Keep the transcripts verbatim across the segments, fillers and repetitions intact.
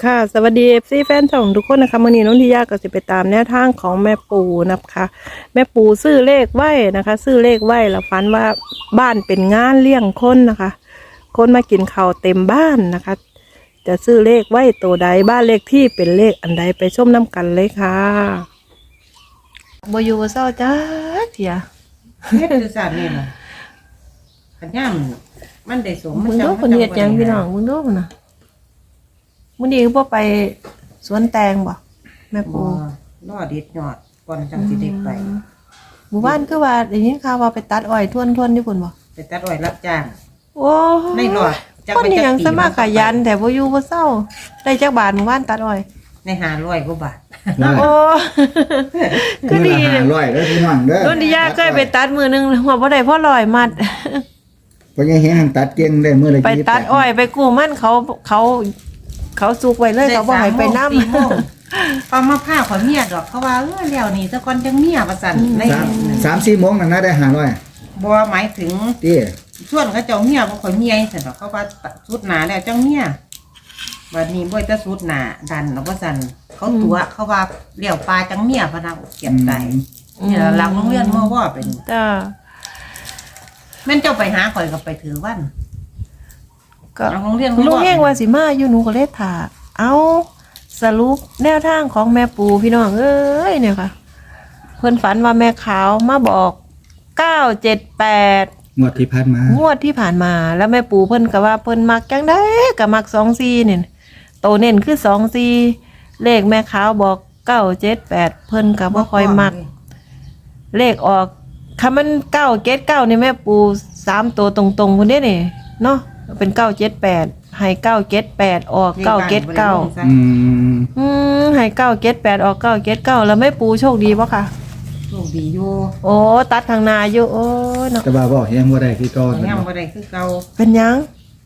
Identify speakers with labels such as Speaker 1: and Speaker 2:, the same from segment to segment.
Speaker 1: ค่ะสวัสดีเอฟซีแฟนช่องทุกคนนะคะมื่อนี้น้องทิยาก็จะไปตามแนวทางของแม่ปูนะคะแม่ปูซื้อเลขไหวนะคะ ซื้อเลขไหวแล้วฝันว่าบ้านเป็นงานเลี้ยงคนนะคะ คนมากินข้าวเต็มบ้านนะคะ จะซื้อเลขไหวตัวใดบ้านเลขที่เป็นเลขอันใดไปชมน้ำกันเลยค่ะบอยู่บ่เศร้าจ้าเถีย
Speaker 2: เฮ็ดคือสัตว์นี่ล่ะขันย่ามมันได้สม
Speaker 1: มึงดูคนเฮ็ดหยังพี่น้องมึงดูนะมื้อนี้บ่ไปสวนแตงบ่แม่
Speaker 2: บ่
Speaker 1: ปู
Speaker 2: รอเด็ดยอดก่อนจังสิได้ไป
Speaker 1: หมู่บ้านคือว่าได้ยินข่าวว่าไปตัดอ้อยทวนๆอยู่พุ่นบ่
Speaker 2: ไปตัดอ้อยรับจ้าง
Speaker 1: โอ้
Speaker 2: ในรอดจัก
Speaker 1: คน
Speaker 2: ไป
Speaker 1: นี้
Speaker 2: จัก
Speaker 1: ยัง
Speaker 2: ปี
Speaker 1: สมัครขยันแต่บ่อยู่บ่เศร้าได้จักบาทหมู่บ้านตัดอ้อย
Speaker 2: ในห้าร้อยกว่าบาท
Speaker 1: โอ้คือดี
Speaker 3: เล
Speaker 1: เลย ย
Speaker 3: ร้อยแล้วพี่น้องเด้อ
Speaker 1: รุ่นที่ยาเคยไปตัดมือนึงหัวบ่ได้พ่อลอยมัด
Speaker 3: เพราะยังเห็นหันตัดเก่งได้มื้อละ
Speaker 1: ไปตัดอ้อยไปกู้มันเขาเขาเขาสุกไว้เลยเขาบ่ให้ไปนำ
Speaker 2: สี่โมงปลามาผ้าขอเมียดอกเขาว่าเออแล้วนี่ซะก่อนจังเมียว่าซั่นใน
Speaker 3: สามสามสี่โมงนั่นนะได้ห้าร้อย
Speaker 2: บ่หมายถึง
Speaker 3: ติ
Speaker 2: ส่วนเขาเจ้าเมียบ่ค่อยเมียซั่นดอกเขาว่าสุดหนาแล้วจังเมียบัดนี้บ่จะสุดหนาดันเอาว่าซั่นเขาตัวเขาว่าเลี้ยวปลาจังเมียพะนะเก็บได้นี่ล่ะหลังโรงเรียนเมื่อว่าเป็น
Speaker 1: จ้า
Speaker 2: แม่นเจ้าไปหาข่อยก็ไปถือวัน
Speaker 1: ก็
Speaker 2: หลังโรงเรียน
Speaker 1: ลุงเฮงว่าสิมาอยู่หนูก็เลยถาเอาสรุปแนวทางของแม่ปูพี่น้องเอ้ยเนี่ยค่ะเพิ่นฝันว่าแม่ขาวมาบอกเก้าเจ็ดแปด
Speaker 3: งวดที่ผ่านมาง
Speaker 1: วดที่ผ่านมาแล้วแม่ปูเพิ่นก็ว่าเพิ่นมักจังได้ก็มักสองสี่เนี่ยโตเน้นคือสองสี่เลขแม่ขาวบอกเก้าเจ็ดแปดเพิ่นก็บ่ค่อยมักเลขออกคำมันเก้าเจ็ดเก้านี่แม่ปูสามตัวตรงๆคนนี้นี่เนาะเป็นเก้าเจ็ดแปดให้เก้าเจ็ดแปดออกเก้าเจ็ดเก้า
Speaker 3: อืม
Speaker 1: อืมให้เก้าเจ็ดแปดออกเก้าเจ็ดเก้าแล้วแม่ปูโชคดีป่ะคะ
Speaker 2: โชคดีอยู่
Speaker 1: โอ้ตัดข้างหน้าอยู่โอ้ยเนาะ
Speaker 3: แต่ว่าบ่ยังบ่ได้คือก่อน
Speaker 2: แต่ยังบ่ได้คือเก่า
Speaker 1: เป็นหยัง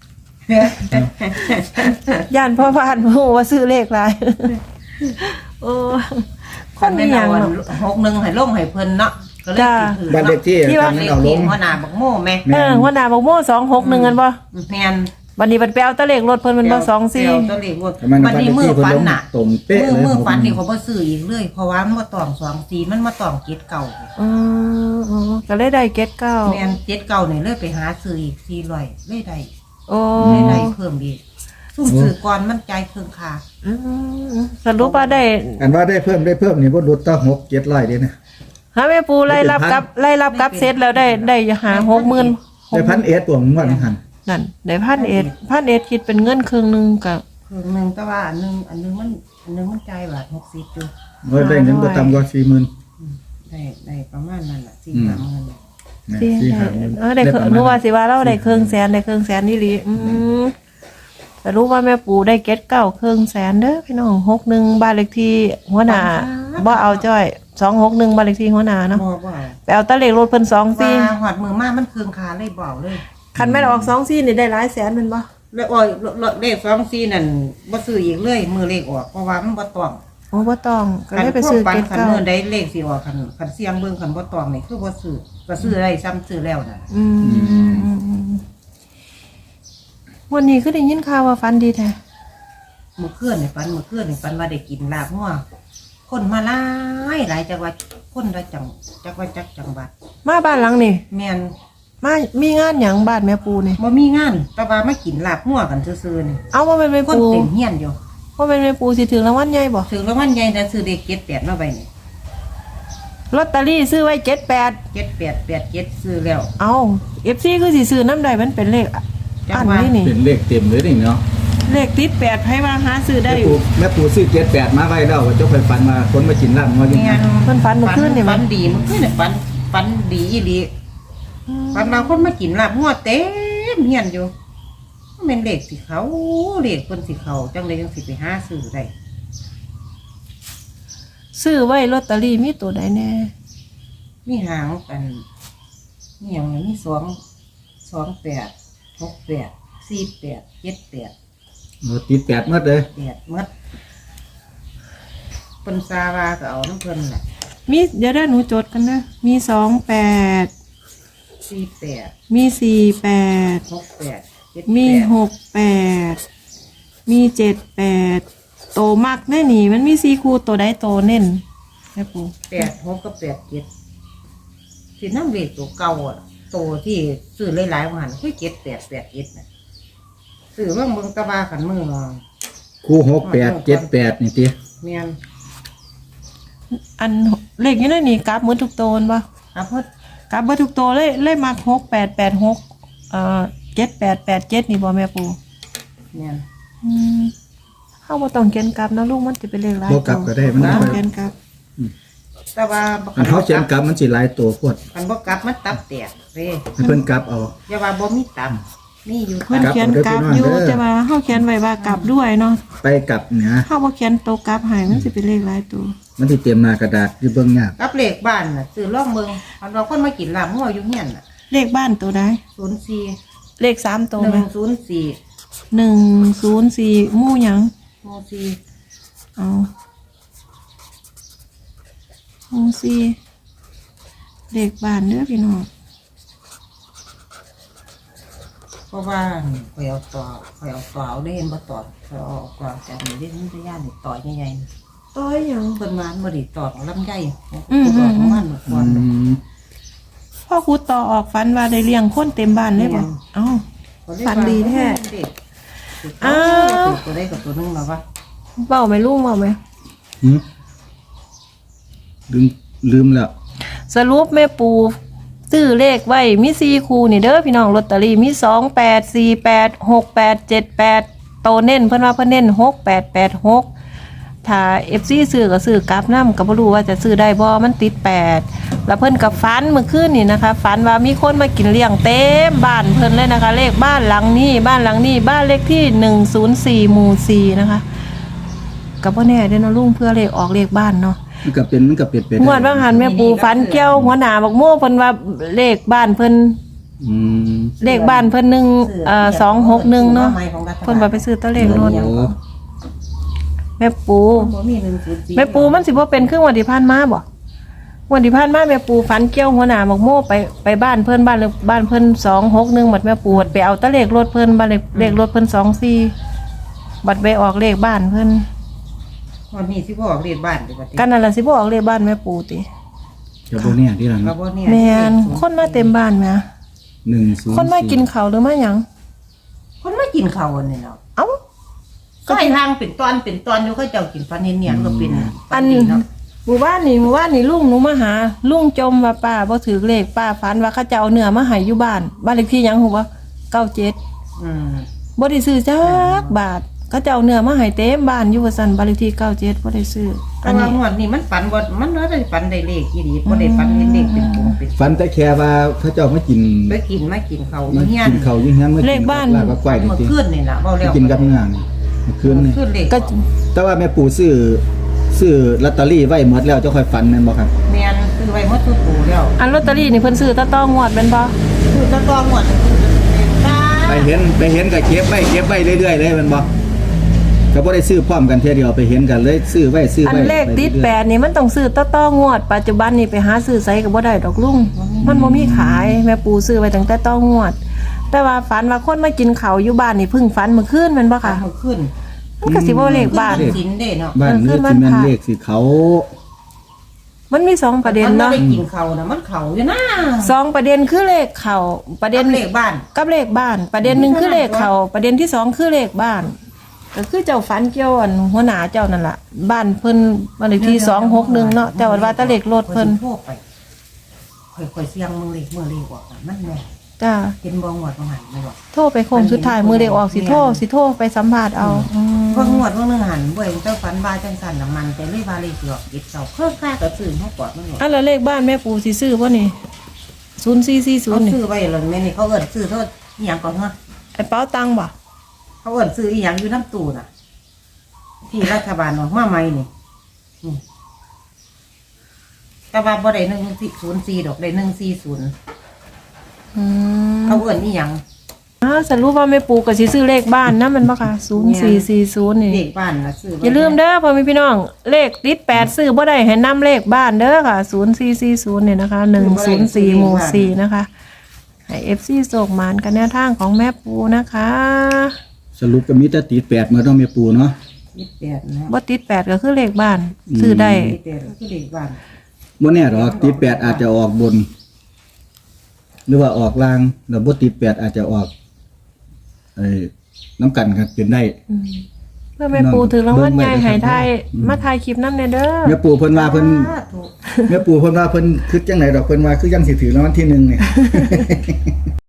Speaker 1: ย่านพ่อบ้านโอ้ว่าซื้อเลขหลายโอ้คนมีหยัง
Speaker 2: เอา
Speaker 1: เนาะ
Speaker 2: หกหนึ่งให้ลงให้เพิ่นเนาะก็เลย
Speaker 1: จ้า
Speaker 2: สิถือ
Speaker 3: บ้านเลขที่
Speaker 1: ที่ว่า
Speaker 3: ทางนั้นเอาลง
Speaker 2: หัวหน้าบักโม่แม่
Speaker 1: เออหัวหน้าบอกโม่สองหกหนึ่งกันบ่
Speaker 2: แม่น
Speaker 1: วันนี้มันไปเอาตะเลขรถเพิ่นมันบ่สองสี่
Speaker 2: เดี๋ยวตัวเลขรถ
Speaker 3: แต่มัน
Speaker 2: บัดนี้มือฟันน่ะ
Speaker 3: ตรงเป๊ะ
Speaker 2: มือ
Speaker 3: เลย
Speaker 2: มือฟันนี่เขาบ่ซื้ออีกเลยเพราะว่ามันบ่ต้องสองสีมันมาต้องเจ็ดเก่า
Speaker 1: อืมอืมก็เลยได้เก็ตเก้า
Speaker 2: แม่นเจ็ดเก่านี่เลยไปหาซื้ออีกสี่ร้อยเลยได้
Speaker 1: โอ้
Speaker 2: เลยได้เพิ่มอีกซุ่มซื้อก่อนมันใจายเครื่องค่า
Speaker 1: อืมสรุปว่าได้
Speaker 3: อันว่าได้เพิ่มได้เพิ่มนี่บ่ลดตั้งหก เจ็ดร้อยเด้นะ
Speaker 1: ฮะแม่ปูไล่รับกับไล่รับกับเซตแล้วได้ได้หาหกหมื่น
Speaker 3: ได้พันเอ็ดตัวงวดหัน
Speaker 1: นั่นได้พันเอ็ดพันเอ็ดคิดเป็นเงินครึ่งหนึงกับ
Speaker 2: เครื่องหนึงแต่ว่าอันหนึงอันหนึงมันอันหนึงมันจ่ายบาทหกสิบอยู่
Speaker 3: บ่ได้เงินบ่ต่ำกว่า สี่หมื่น
Speaker 2: ได้ได้ประมาณนั้นน่ะสี่
Speaker 3: อืม
Speaker 2: สามหมื่นน่ะ
Speaker 3: นะ
Speaker 1: ที่
Speaker 3: สี่
Speaker 1: ได้
Speaker 3: ห้าหมื่น
Speaker 1: เออได้เครื่องนึกว่าสิว่าเราได้เครื่องแสนได้เครื่องแสนนี่ลีอืมแต่รู้ว่าแม่ปูได้เก็ตเก้าเครื่องแสนเด้อพี่น้องหกหนึ่งบ้านเลขที่หัวหน้าบ่เอาจ้อยสองหกหนึ่งบ้านเลขที่หัวหน้าเนาะ
Speaker 2: บ่บ่
Speaker 1: ไปเอาตะเลขรถเพิ่นสองสี่
Speaker 2: ว่าหอดมือมามันเครื่องค่าเลยบ่เอาเลย
Speaker 1: คันแม่นออกสองสี่นี่ได้หลายแสนแมันบ่
Speaker 2: แล้วอ้อยเลขสองสี่นั่นบ่ซื้ออีกเลยมือเลขออกเพราะว่ามันบ่ต้อง
Speaker 1: โอ้บ่ต้องก็ได้ไปซื้อ
Speaker 2: คัน
Speaker 1: เก็ต
Speaker 2: คัน
Speaker 1: เก้า
Speaker 2: มือได้เลขสิออกคันคันเสียงเบิ่งคันบ่ต้องนี่คือบ่ซื้อก็ซื้อได้ซ้ำซื้อแล้วน่ะ
Speaker 1: อืมวันนี้คือได้ยินข่าวว่าฟันดีแท้
Speaker 2: มื้อคืนนี่ฝันมื้อคืนนี่ฝันว่าได้กินลาบงัวคนมาหลายหลายจังหวัดคนละจังจักว่าจักจังหวัด
Speaker 1: มาบ้านหลังนี่
Speaker 2: แม่น
Speaker 1: มามีงานหยังบ้านแม่ปูนี่
Speaker 2: บ่มีงานแต่ว่ามากินลาบงัวกันซื่อๆนี่
Speaker 1: เอาว่าเป็นแม่
Speaker 2: คน
Speaker 1: ปู
Speaker 2: เต็มเฮียนอยู่
Speaker 1: ว่าเป็นแม่ปูสิถึงรางวัลใหญ่บ่
Speaker 2: ถึงรางวัลใหญ่แต่ซื้อเลขเจ็ดแปดมาไว้นี่
Speaker 1: ลอตเตอรี่ซื้อไว้เจ็ดแปด
Speaker 2: เจ็ดแปดแปดเจ็ดซื้อแล้ว
Speaker 1: เอาเอฟซีคือสิซื้อน้ำใดมันเป็นเลข
Speaker 2: จั
Speaker 1: อั
Speaker 2: ง
Speaker 1: น
Speaker 2: ว่า
Speaker 1: นี้นี่
Speaker 3: เป็นเลขเต็มเลยนี่เนาะ
Speaker 1: เลขติดแปดไผว่าหาซื้อได้
Speaker 3: แม่ปู่แม่ปู่ซื้อเจ็ดแปดมาไว้แล้วว่าเจ้าไปฝันมาคนมากินลาบงัวอยู่
Speaker 2: แม่
Speaker 3: นะ
Speaker 2: น
Speaker 1: เพิ่นฝันเมื่อคืนนี่
Speaker 2: ฝั
Speaker 1: มั้
Speaker 2: นดีเมื่อคืนนี่ฝันฝันดีอีหลีฝันเราคนมากินลาบงัวเต็มเฮียนอยู่มันเป็นเลขสิเขาเลขคนสิเขาจังเลยจังสิไปหาซื้อได้
Speaker 1: ซื้อไว้ลอตเตอรี่มีตัวใดแน่
Speaker 2: มีหางกันมีอย่างมีสองสองแปดหกแปดสี่แปดเจ็ดแปด
Speaker 3: โอ้ติดแปดหมดเลย
Speaker 2: แปดหมดเพิ่นซาว่าก็เอาน้ำเพิ่นแหละ
Speaker 1: มีเดี๋ยวได้หนูจดกันนะมีสองแปด
Speaker 2: สี่แปด
Speaker 1: มีสี่แปด
Speaker 2: หกแปดเจ็ด
Speaker 1: มี
Speaker 2: แปด
Speaker 1: หกแปดมีเจ็ดแปดโตมากแน่นี่มันมีสี่คู่ตัวใดโตเน้นแม่ปู
Speaker 2: แปดหกกับแปดเจ็ดสิน้ำเลขตัวเก่าอ่ะตัวที่ซื้อหลายๆวันคือเจ็ดแปดแปดเจ็ดนะซื้อเมื่อมึงตะบาขันมือ
Speaker 3: คู่หกแปดเจ็ดแปดนี่ติ
Speaker 2: เมียน
Speaker 1: อันเลขอยู่ในนี่กราฟหมดทุกโตนบ่
Speaker 2: อ่ะเพิ่น
Speaker 1: กราฟเบิดทุกโตเลยเลยมักหกแปดแปดหกเอ่อเจ็ดแปดแปดเจ็ดนี่บ่แม่ปู
Speaker 2: เมียน
Speaker 1: อืมเฮาบ่ต้องเขียนกราฟนะลูกมันสิเป็นเลขหลาย
Speaker 3: บ่กลับก็ได้มัน
Speaker 1: บ่
Speaker 3: บ่
Speaker 1: ต้องเขียนกราฟ
Speaker 2: แต่ว่า
Speaker 3: อันเขาเขียนกลับมันสิหลายตัวโพด
Speaker 2: คันบ่กลับมันตับแตกเด้
Speaker 3: ให้เพิ่นกลับเอา
Speaker 2: อย่าว่าบ่มีตับนี่อยู่
Speaker 1: เพิ่น
Speaker 2: ตับ
Speaker 1: เขียนกราฟอยู่แต่ว่าเฮาเขียนไว้ว่ากราฟด้วยเนาะ
Speaker 3: ไปกลับเนี่ย
Speaker 1: เฮาบ่เขียนโตวกราฟให้มันสิเป็นเลขหลายตัว
Speaker 3: มันสิเตรียมหน้ากระดาษอยู่เบิ่งยาก
Speaker 2: กับเลขบ้านน่ะซื้อล่องเมืองคันว่าคนมากินลาบงัวอยู่เฮียนน่ะ
Speaker 1: เลขบ้านตัวใด
Speaker 2: ศูนย์สี่
Speaker 1: เลขสามตัว
Speaker 2: ห
Speaker 1: ไหม
Speaker 2: นึ่งศูนย์สี่
Speaker 1: หนึ่งศูนย์สี่หมู่หยัง
Speaker 2: หมู่สี่
Speaker 1: เอาหมู่สี่เลขบ้านเด้อพี่น้อง
Speaker 2: เพราะว่าข่อยเอาต่อข่อยเอาต่อเอาได้เห็นบ่ต่อข่อยเอาต่อจากนี้ได้มันจะย่านนี่ต่อใหญ่ๆ
Speaker 1: ต้อยหยัง
Speaker 2: เพิ่นมาบ่ได้ตอบลำไย
Speaker 1: อืม
Speaker 2: ตอบของมันก่อน
Speaker 3: อืม
Speaker 1: พ่อครูต่อออกฝันว่าได้เลี้ยงคนเต็มบ้านเลยบ่เอ้า ฝันดีแท้
Speaker 2: อ้า
Speaker 1: อ้าว
Speaker 2: ตัวใดกับตัวหนึงมาวะ
Speaker 1: เบ้าไหมลุงเบ้าไหม
Speaker 3: หืมลืมลืมแล้ว
Speaker 1: สรุปแม่ปูซื้อเลขไว้มีสี่คู่นี่เด้อพี่น้องลอตเตอรี่มีสองแปดสี่แปดหกแปดเจ็ดแปดโตเน้นเพิ่นว่าเพิ่นเน้นหกแปดแปดหกถ้าเอฟซีซื้อก็ซื้อกลับน้ำก็บ่รู้ว่าจะซื้อได้บ่มันติดแปดแล้วเพิ่นกับฝันเมื่อคืนนี่นะคะฝันว่ามีคนมากินเลี้ยงเต็มบ้านเพิ่นเลยนะคะ เลขบ้านหลังนี้บ้านหลังนี้บ้านเลขที่หนึ่งศูนย์สี่หมู่สี่นะคะก็บ่แน่เด้อเนาะลุงเพื่อเลขออกเลขบ้านเนาะ
Speaker 3: มันก็เป็นมันก็เป็นไปได้
Speaker 1: งวดว่างหันแม่ปูฝันเกี่ยวหัวหน้าบักโม่เพิ่นว่าเลขบ้านเพิ่น
Speaker 3: อืม
Speaker 1: เลขบ้านเพิ่นหนึ่งเอ่อสองหกหนึ่งเนาะเพิ่นว่าไปซื้อตัวเลขรถ
Speaker 3: โอ้
Speaker 1: แม่ปู
Speaker 2: บ่มีหนึ่งศูนย์สี่
Speaker 1: แม่ปูมันสิบ่เป็นครึ่งวันที่ผ่านมาบ่วันที่ผ่านมาแม่ปูฝันเกี่ยวหัวหน้าบักโม่ไปไปบ้านเพิ่นบ้านเลขบ้านเพิ่นสองหกหนึ่งบัดแม่ปูบัดไปเอาตัวเลขรถเพิ่นบ้านเลขเลขรถเพิ่นสองสี่บัดไปออกเลขบ้านเพิ่น
Speaker 2: วันนี้สิบ่ออกเรียนบ้านดีกว่าติ
Speaker 1: กันนั่นล่ะสิบ่ออกเลขบ้านแม่ปูติ
Speaker 3: จะบ่เนี่ยที่หลัง
Speaker 2: ก็บ่เนี่ย
Speaker 1: แม่นคนมาเต็มบ้านแหม
Speaker 3: หนึ่งศูนย์
Speaker 1: คนมากินข้าวหรือมาหยัง
Speaker 2: คนมากินข้าวอันนี้เนาะ
Speaker 1: เอ้า
Speaker 2: ก็ให้ทางเป็นตอนเป็นตอนอยู่เขาเจ้ากินฟันเนียนๆก็เป็น
Speaker 1: อัน
Speaker 2: นี้เนาะ
Speaker 1: หมู่บ้านนี่หมู่บ้านนี่ลุงหนูมาหาลุงจมว่าป้าบ่ถือเลขป้าฝันว่าเขาจะเอาเนื้อมาให้อยู่บ้านบ้านเลขที่หยังฮู้บ่เก้าเจ็ด
Speaker 2: อืม
Speaker 1: บ่ได้ซื้อจักบาทเขาจะเอาเนื้อมาให้เต็มบ้านอยู่ว่าซั่นบ้านเลขที่เก้าเจ็ดบ่ได้ซื้อ
Speaker 2: แต่
Speaker 1: อัน
Speaker 2: ว่า
Speaker 1: นี้
Speaker 2: งวดนี้มันฝันบ่มันบ่ได้ฝันได้เลขอีหลีบ่ได้ฝันเห็นเลขเป็นกลุ่มเป็น
Speaker 3: ฝันแต่แค่ว่าเขาเจ้ามากิน
Speaker 2: ไปกินมากินข้าวอ
Speaker 3: มา
Speaker 2: ยู่เฮียน
Speaker 3: กินข้าวอยู่เฮียนมากินลาบกับก้อยนี่
Speaker 2: เมื่อ
Speaker 3: ติ
Speaker 2: คืนนี่ล่ะเว้าแล้ว
Speaker 3: กินกับงานเมื่อคืนนี่
Speaker 2: คืนเลข
Speaker 1: ก็
Speaker 3: แต่ว่าแม่ปู่ซื้อซื้อลอตเตอรี่ไว้หมดแล้วเจ้าค่อยฝันแม่นบ่ครับ
Speaker 2: แม่นซื้อไว้หมดทุกปู่แล้ว
Speaker 1: อันลอตเตอรี่นี่เพิ่นซื้อตะต้องงวดแม่นบ่
Speaker 2: คือจะต้องหมดเป็นตา
Speaker 3: ไปเห็นไปเห็นก็เก็บไว้เก็บไว้เรื่อยๆเลยแม่นบ่ก็บ่ได้ซื้อพร้อมกันเทื่อเดียวไปเห็นกันเลยซื้อไว้ซื้อ
Speaker 1: อัน
Speaker 3: ไว้
Speaker 1: เลขติดแปดนี่มันต้องซื้อตะต้องงวด ปัจจุบันนี่ไปหาซื้อไสก็บ่ได้ดอกลุงมันบ่มีขายแม่ปูซื้อไว้ตั้งแต่ต้องงวด แต่ว่าฝันว่าคนมากินข้าวอยู่บ้านนี่เพิ่งฝันเมื่อคืนแม่นบ่
Speaker 2: ค่ะ
Speaker 1: ค่ะ
Speaker 2: ขึ้น
Speaker 1: มันก็สิบ่เลขบ้าน
Speaker 2: ขึ้สินเด้เนาะ
Speaker 3: บ้าน
Speaker 1: เออคื
Speaker 3: เนื้
Speaker 1: อ
Speaker 3: อ
Speaker 1: มั
Speaker 3: สิ
Speaker 1: น
Speaker 3: แม่น
Speaker 1: ผ่า
Speaker 3: เลขสิเขา
Speaker 1: มันมีสองประเด็นเนาะ
Speaker 2: มัไม่ได้กินเขานะมันเขาอยู่นะ
Speaker 1: สองประเด็นคือเลขเข่าประเด็น
Speaker 2: กับเลขบ้าน
Speaker 1: กับเลขบ้าน ประเด็นหนึ่งคือเลขเข่าประเด็นที่สองคือเลขบ้านก็คือเจ้าฝันเกี่ยวอันหัวหน้าเจ้านั่นล่ะบ้านเพิ่นบ้านเลขที่สองหกหนึ่งเนาะแต่ว่าว่าแตะเลขรถเพิ่น
Speaker 2: โทรไปค่อยๆเสียงมึงเลขเมื่อเลขออกอะมันแม่
Speaker 1: จ้า
Speaker 2: เห็นบ่งวดบ่หันไม่บอก
Speaker 1: โทรไปโค้งสุดท้ายมือเลขออกสิโทรสิโทรไปสัมภาษณ์เอาอืม
Speaker 2: เพิ่งงวดเพิ่งนึงหันบ่เห็นเจ้าฝันว่าจังซั่นน่ะมันแต่เลขว่าเลขสิออกติดเสาเพิ่มค่าก็ซื้อเฮากอดมันหมด
Speaker 1: อันแล้วเลขบ้านแม่ปูสิซื้อบ่นี่ศูนย์สี่สี่ศู
Speaker 2: เขา
Speaker 1: นย์นี่
Speaker 2: ซื้อไว้แล้วแม่นี่เขาเอิ้นซื้อโทษอีหยังก่อนเนาะ
Speaker 1: ไอ้เป๋าตังค์บ่
Speaker 2: เขาเอิ้นซื้ออีหยังอยู่น้ำตู้น่ะ ที่รัฐบาลออกมาใหม่นี่นี่แต่ว่าบ่ได้หนึ่งศูนย์สี่ดอกได้หนึ่งสี่ศูนย์
Speaker 1: อืม
Speaker 2: เขาเอิ้นอีหยัง
Speaker 1: อ้าวสรุปว่าแม่ปูก็สิซื้อเลขบ้านนะมันบ่ค่ะศูนย์สี่สี่ศูนย์นี่
Speaker 2: เลขบ้านน่ะซื้อไว้
Speaker 1: อย่าลืมเด้อพ่อแม่พี่น้อง เลขติดแปดซื้อบ่ได้ให้นำเลขบ้านเด้อค่ะศูนย์สี่สี่ศูนย์เนี่ยนะคะหนึ่งศูนย์สี่หมู่สี่นะคะให้เอฟซีโศกหมานกันแนวทางของแม่ปูนะคะ
Speaker 3: สรุปก็มีแต่ติดแปดมาต้องแม่ปู่เนาะ
Speaker 2: ยี่สิบแปดนะ
Speaker 1: บ่ติดแปดก็คือเลขบ้านซื้อได้
Speaker 2: ยี่สิบแปดก็คือเด็กบ้าน
Speaker 3: บ่แน่หรอกติดแปดอาจจะออกบน หรือว่าออกล่างแล้วบ่ติดแปดอาจจะออกเอ้น้ำกันครับเป็นได้
Speaker 1: อืมเพื่อแม่ปูถือรางวัลใหญ่ให้ทายมาถ่ายคลิปนำแน่เด้อ
Speaker 3: แม่ปู่เพิ่นว่าเพิ่น
Speaker 2: สาธุ
Speaker 3: แม่ปู่เพิ่นว่าเพิ่นคิดจังไดดอกเพิ่นว่าคือยังสิถือรางวัลที่หนึ่งนี่